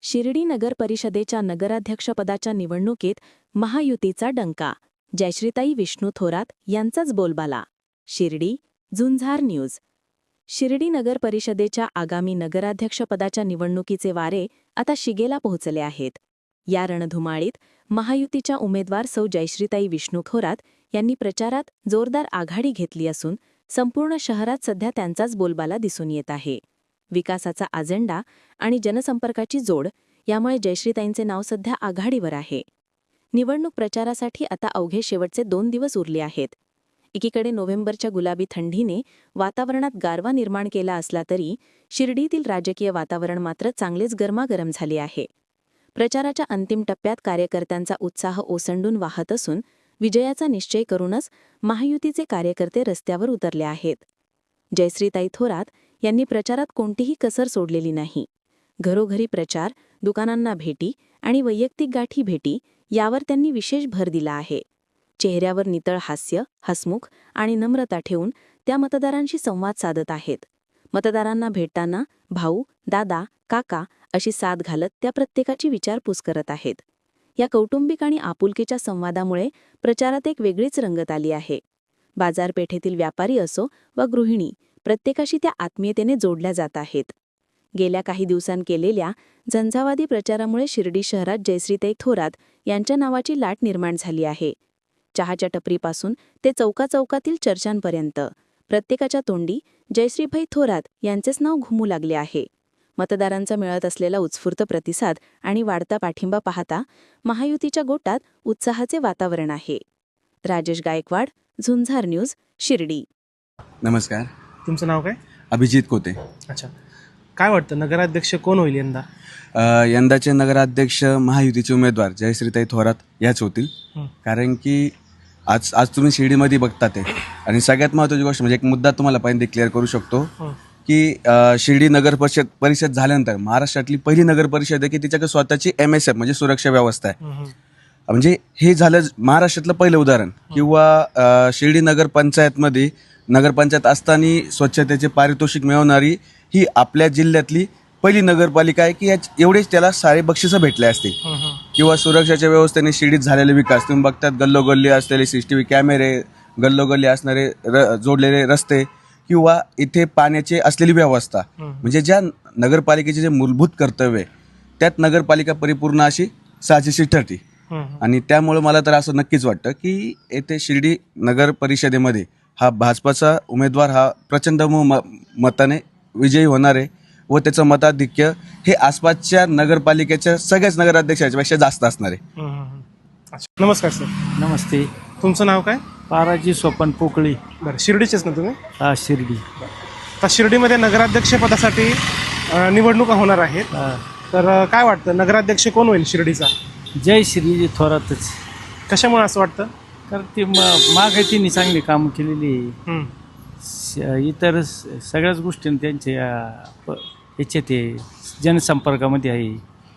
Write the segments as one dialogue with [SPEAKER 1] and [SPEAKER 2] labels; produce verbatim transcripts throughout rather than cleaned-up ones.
[SPEAKER 1] शिर्डी नगर परिषदेच्या नगराध्यक्षपदाच्या निवडणुकीत महायुतीचा डंका. जयश्रीताई विष्णू थोरात यांचाच बोलबाला. शिर्डी, झुंजार न्यूज. शिर्डी नगर परिषदेच्या आगामी नगराध्यक्षपदाच्या निवडणुकीचे वारे आता शिगेला पोहोचले आहेत. या रणधुमाळीत महायुतीच्या उमेदवार सौ जयश्रीताई विष्णू थोरात यांनी प्रचारात जोरदार आघाडी घेतली असून संपूर्ण शहरात सध्या त्यांचाच बोलबाला दिसून येत आहे. विकासाचा अजेंडा आणि जनसंपर्काची जोड यामुळे जयश्रीताईंचे नाव सध्या आघाडीवर आहे. निवडणूक प्रचारासाठी आता अवघे शेवटचे दोन दिवस उरले आहेत. एकीकडे नोव्हेंबरच्या गुलाबी थंडीने वातावरणात गारवा निर्माण केला असला तरी शिर्डीतील राजकीय वातावरण मात्र चांगलेच गरमागरम झाले आहे. प्रचाराच्या अंतिम टप्प्यात कार्यकर्त्यांचा उत्साह ओसंडून वाहत असून विजयाचा निश्चय करूनच महायुतीचे कार्यकर्ते रस्त्यावर उतरले आहेत. जयश्रीताई थोरात यांनी प्रचारात कोणतीही कसर सोडलेली नाही. घरोघरी प्रचार, दुकानांना भेटी आणि वैयक्तिक गाठी भेटी यावर त्यांनी विशेष भर दिला आहे. चेहऱ्यावर नितळ हास्य, हसमुख आणि नम्रता ठेवून त्या मतदारांशी संवाद साधत आहेत. मतदारांना भेटताना भाऊ, दादा, काका अशी साथ घालत त्या प्रत्येकाची विचारपूस करत आहेत. या कौटुंबिक आणि आपुलकीच्या संवादामुळे प्रचारात एक वेगळीच रंगत आली आहे. बाजारपेठेतील व्यापारी असो वा गृहिणी, प्रत्येकाशी त्या आत्मीयतेने जोडल्या जात आहेत. गेल्या काही दिवसांत केलेल्या झंझावादी प्रचारामुळे शिर्डी शहरात जयश्रीताई थोरात यांच्या नावाची लाट निर्माण झाली आहे. चहाच्या टपरीपासून ते चौकाचौकातील चर्चांपर्यंत प्रत्येकाच्या तोंडी जयश्रीभाई थोरात यांचेच नाव घुमू लागले आहे. मतदारांचा मिळत असलेला उत्स्फूर्त प्रतिसाद आणि वाढता पाठिंबा पाहता महायुतीच्या गोटात उत्साहाचे वातावरण आहे. राजेश गायकवाड, झुंझार न्यूज, शिर्डी.
[SPEAKER 2] नमस्कार.
[SPEAKER 3] तुमचं नाव काय?
[SPEAKER 2] अभिजित कोते.
[SPEAKER 3] अच्छा, काय वाटतं नगराध्यक्ष कोण होईल यंदा?
[SPEAKER 2] अ, यंदाचे नगराध्यक्ष महायुतीचे उमेदवार जयश्रीताई थोरात याच होतील. कारण की आज आज तुम्ही शिर्डीमध्ये बघता ते, आणि सगळ्यात महत्त्वाची गोष्ट म्हणजे एक मुद्दा तुम्हाला पहिल्यांदा क्लिअर करू शकतो की शिर्डी नगर परिषद परिषद झाल्यानंतर महाराष्ट्रातली पहिली नगर परिषद आहे की तिच्याकडे स्वतःची एम एस एफ म्हणजे सुरक्षा व्यवस्था आहे. म्हणजे हे झालं महाराष्ट्रातलं पहिलं उदाहरण. किंवा शिर्डी नगर पंचायतमध्ये नगरपंचायत असताना स्वच्छतेचे पारितोषिक मिळवणारी ही आपल्या जिल्ह्यातली पहिली नगरपालिका आहे की एवढेच त्याला सारे बक्षिसं भेटले असतील. किंवा सुरक्षेच्या व्यवस्थेने शिर्डीत झालेले विकास तुम्ही बघतात. गल्लोगल्ली असलेले सी सी टी व्ही कॅमेरे, गल्लोगल्ली असणारे र जोडलेले रस्ते किंवा इथे पाण्याची असलेली व्यवस्था, म्हणजे ज्या नगरपालिकेचे जे मूलभूत कर्तव्य त्यात नगरपालिका परिपूर्ण अशी साजेशी ठरते. आणि त्यामुळे मला तर असं नक्कीच वाटतं की येथे शिर्डी नगर परिषदेमध्ये हा भाजपाचा उमेदवार हा प्रचंड मताने विजयी होणार आहे व त्याचं मताधिक्य हे आसपासच्या नगरपालिकेच्या सगळ्याच नगराध्यक्षांपेक्षा जास्त असणार आहे.
[SPEAKER 3] नमस्कार सर.
[SPEAKER 4] नमस्ते.
[SPEAKER 3] तुमचं नाव काय?
[SPEAKER 4] पाराजी सोपन पोकळी.
[SPEAKER 3] बरं, शिर्डीचेच ना तुम्ही?
[SPEAKER 4] हा, शिर्डी.
[SPEAKER 3] तर शिर्डीमध्ये नगराध्यक्षपदासाठी निवडणुका होणार आहेत. तर काय वाटतं नगराध्यक्ष कोण होईल शिर्डीचा?
[SPEAKER 4] जय श्री थोरातच.
[SPEAKER 3] कशामुळे असं वाटतं?
[SPEAKER 4] कारण ती म मागे तिने चांगली कामं केलेली. इतर सगळ्याच गोष्टी त्यांच्या याचे ते जनसंपर्कामध्ये आहे.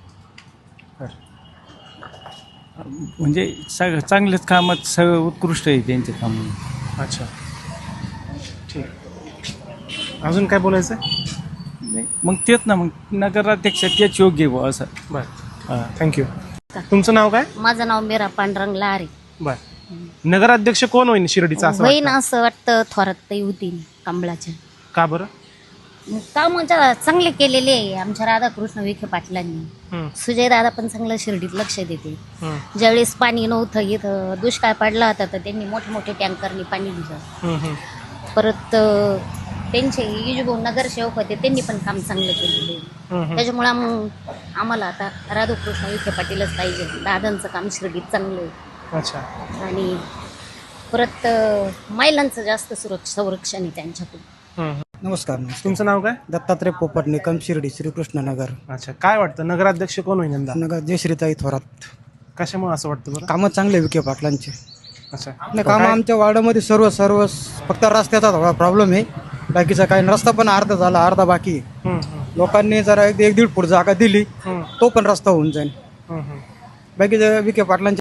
[SPEAKER 4] म्हणजे सग चांगलेच कामात सगळं उत्कृष्ट आहे त्यांचे काम.
[SPEAKER 3] अच्छा, ठीक. अजून काय बोलायचं?
[SPEAKER 4] नाही, मग तेच ना, मग नगराध्यक्ष तेच योग्य आहे असं.
[SPEAKER 3] बरं, हां, थँक्यू. तुमचं नाव काय?
[SPEAKER 5] माझं नाव मीरा पांडुरंग लहारे.
[SPEAKER 3] बरं, नगराध्यक्ष कोण होईल शिर्डीचा असं
[SPEAKER 5] होईन
[SPEAKER 3] वाटतं?
[SPEAKER 5] असं वाटतं थोरात होती कमळाच्या.
[SPEAKER 3] का बरं?
[SPEAKER 5] काम चांगले केलेले आहे आमच्या राधाकृष्ण विखे पाटलांनी. सुजय दादा पण चांगलं शिर्डीत लक्ष देते. ज्यावेळेस पाणी नव्हतं, इथं दुष्काळ पडला होता तर त्यांनी मोठे मोठे टँकरनी पाणी दिलं. परत त्यांचे युजभाऊ नगरसेवक होते, त्यांनी पण काम चांगलं केलेलं आहे. त्याच्यामुळे मग आम्हाला आता राधाकृष्ण विखे पाटीलच पाहिजे. दादांचं काम शिर्डीत चांगलं आहे.
[SPEAKER 3] अच्छा.
[SPEAKER 5] आणि परत महिलांचं जास्त सुरक्षा संरक्षण आहे त्यांच्याकडून.
[SPEAKER 6] नमस्कार.
[SPEAKER 3] तुमचं नाव काय?
[SPEAKER 6] दत्तात्रय पोपट, निकम, शिर्डी, श्रीकृष्णनगर.
[SPEAKER 3] अच्छा, काय वाटतं नगराध्यक्ष कोण होईल यंदा?
[SPEAKER 6] नगर जयश्रीताई थोरात.
[SPEAKER 3] कशामुळे असं वाटतं बरं?
[SPEAKER 6] कामं चांगले विखे पाटलांचे.
[SPEAKER 3] अच्छा,
[SPEAKER 6] नाही, कामं आमच्या वार्डामध्ये सर्व सर्व फक्त रस्त्याचा थोडा प्रॉब्लेम आहे. बाकीचा काही रस्ता पण अर्धा झाला, अर्धा बाकी आहे. लोकांनी जरा एक एक दीड फूट जागा दिली तो पण रस्ता होऊन जाईल. बाकीच्या विखे पाटलांचे